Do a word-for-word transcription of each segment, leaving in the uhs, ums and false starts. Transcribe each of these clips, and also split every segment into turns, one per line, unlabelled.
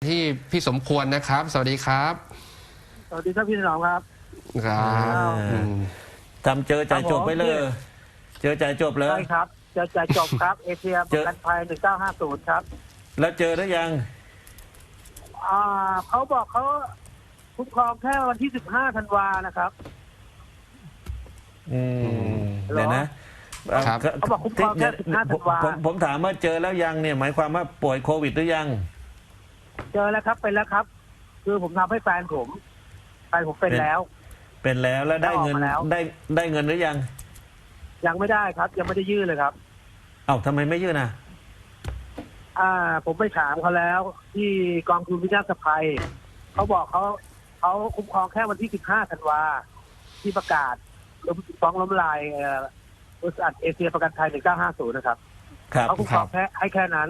ที่พี่สมควรนะครับสวัสดีครับ
สวัสดีครับพี่ถนอมครับ
ครับ
ทำเจอจ่ายจบไปเลย เจอจ่ายจบเลย
ใช่ครับจะจ่ายจบครับเอเชียประกันภัยหนึ่งเก้าห้าศูนย์ครับ
แล้วเจอหรือยัง
อ่าเขาบอกเขาคุ้มครองแค่วันที่สิบห้าธันวานะครับ
อืมเดี๋ยวนะ
เขาบอกคุ้มครองแค่สิบห้าธันวา
ผมผมถามว่าเจอแล้วยังเนี่ยหมายความว่าป่วยโควิดหรือยัง
เจอแล้วครับเป็นแล้วครับคือผมทำให้แฟนผมแฟนผมเป็นแล้ว
เป็นแล้วแล้วได้เงินได้ได้เงินหรือยัง
ยังไม่ได้ครับยังไม่ได้ยื่นเลยครับ
เอ้าทำไมไม่ยื่นอ่ะ
อ่าผมไปถามเขาแล้วที่กองทุนวินาศภัยเขาบอกเขาเขาคุ้มครองแค่วันที่สิบห้าธันวาที่ประกาศฟ้องล้มลายบริษัทเอเชียประกันภัยหนึ่งเก้าห้าศูนย์นะครับเขาคุ้มครองแค่ให้แค่นั้น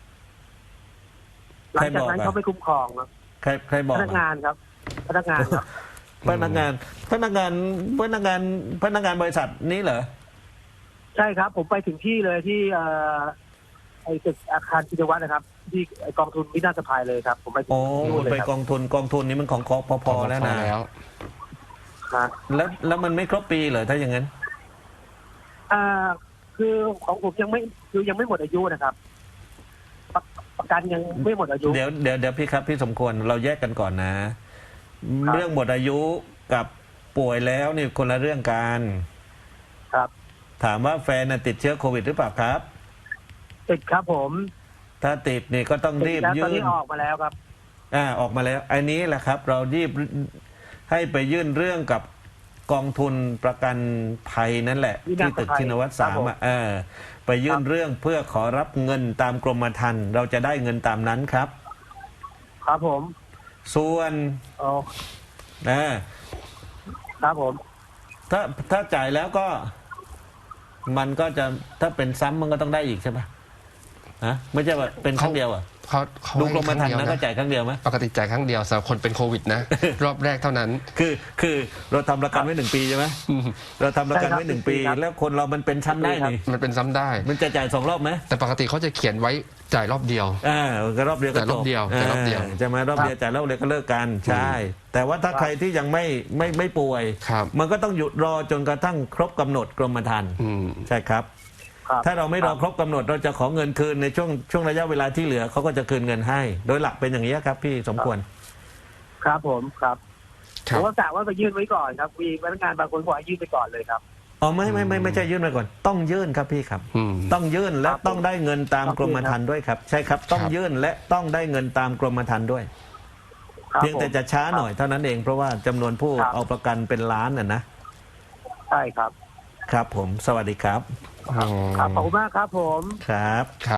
หลังจากนั้นเขาไม่คุ้มครองครับ
ใครใครบอก
พนักงานครับพนักงานครับ
พนักงานพนักงานพนักงานพนักงานบริษัทนี้เหรอ
ใช่ครับผมไปถึงที่เลยที่ไอ้ตึกอาคารกิจวัตรนะครับที่กองทุนวินาศภัยเลยครับผมไป
โอ้ไปกองทุนกองทุนนี้มันของคอพพแล้วนะ
แล้ว
แล้วแล้วมันไม่ครบปีเหรอถ้าอย่างนั้น
อ่าคือของผมยังไม่คือยังไม่หมดอายุนะครับประกันยังไม่หมดอายุ
เดี๋ยวเดี๋ยวเดี๋ยวพี่ครับพี่สมควรเราแยกกันก่อนนะเรื่องหมดอายุกับป่วยแล้วนี่คนละเรื่องกัน
ครับ
ถามว่าแฟนติดเชื้อโควิดหรือเปล่าครับ
ติดครับผม
ถ้าติดนี่ก็ต้องรีบยื่นตอน
นี้ออกมาแล้วครับ
อ่าออกมาแล้วอันนี้แหละครับเรารีบให้ไปยื่นเรื่องกับกองทุนประกันภัยนั่นแหละที่ตึกชินวัตรสามอ่ะเออไปยื่นเรื่องเพื่อขอรับเงินตามกรมธรรม์เราจะได้เงินตามนั้นครับ
ครับผม
ส่วน
อ๋อ
นะครับ
ผม
ถ้าถ้าจ่ายแล้วก็มันก็จะถ้าเป็นซ้ำมันก็ต้องได้อีกใช่ปะฮะไม่ใช่ว่าเป็นครั้งเดียวอ่ะ
เขา
ดูกรมธรรม์นะก็จ่ายครั้งเดียวไหม
ปกติจ่ายครั้งเดียวสำหรับคนเป็นโควิดนะรอบแรกเท่านั้น
คือคือเราทำประกันไว้หนึ่งปีใช่ไหมเราทำประกันไว้หนึ่งปีแล้วคนเรามันเป็นซ้ำได้นี่
มันเป็นซ้ำได้
มันจะจ่ายสองรอบไหม
แต่ปกติเขาจะเขียนไว้จ่ายรอบเดียว
อ่าก็รอบเดียวก็
จบรอบเดียวจ่ายรอบเดียว
จะมารอบเดียวจ่ายรอบเดียวก็เลิกกันใช่แต่ว่าถ้าใครที่ยังไม่ไม่ไม่ป่วยมันก็ต้องหยุดรอจนกระทั่งครบกำหนดกรมธรรม์ใช่ครับถ้าเราไม่รอครบกำหนดเราจะขอเงินคืนในช่วงช่วงระยะเวลาที่เหลือเขาก็จะคืนเงินให้โดยหลักเป็นอย่างนี้ครับพี่สมควร
ครับผมครับผมก็กะว่าไปยื่นไว้ก่อนครับมีพนักงานบางคนบอกให้ยื่นไปก่อนเลยครับ
อ๋อไม่ไม่ไม่ไม่ใช่ยื่นไปก่อนต้องยื่นครับพี่ครับต้องยื่นและต้องได้เงินตามกรมธรรม์ด้วยครับใช่ครับต้องยื่นและต้องได้เงินตามกรมธรรม์ด้วยเพียงแต่จะช้าหน่อยเท่านั้นเองเพราะว่าจำนวนผู้เอาประกันเป็นล้านน่ะนะ
ใช่ครับ
ครับผมสวัสดีครับ
ครับขอบคุณมากครับผม
ครับ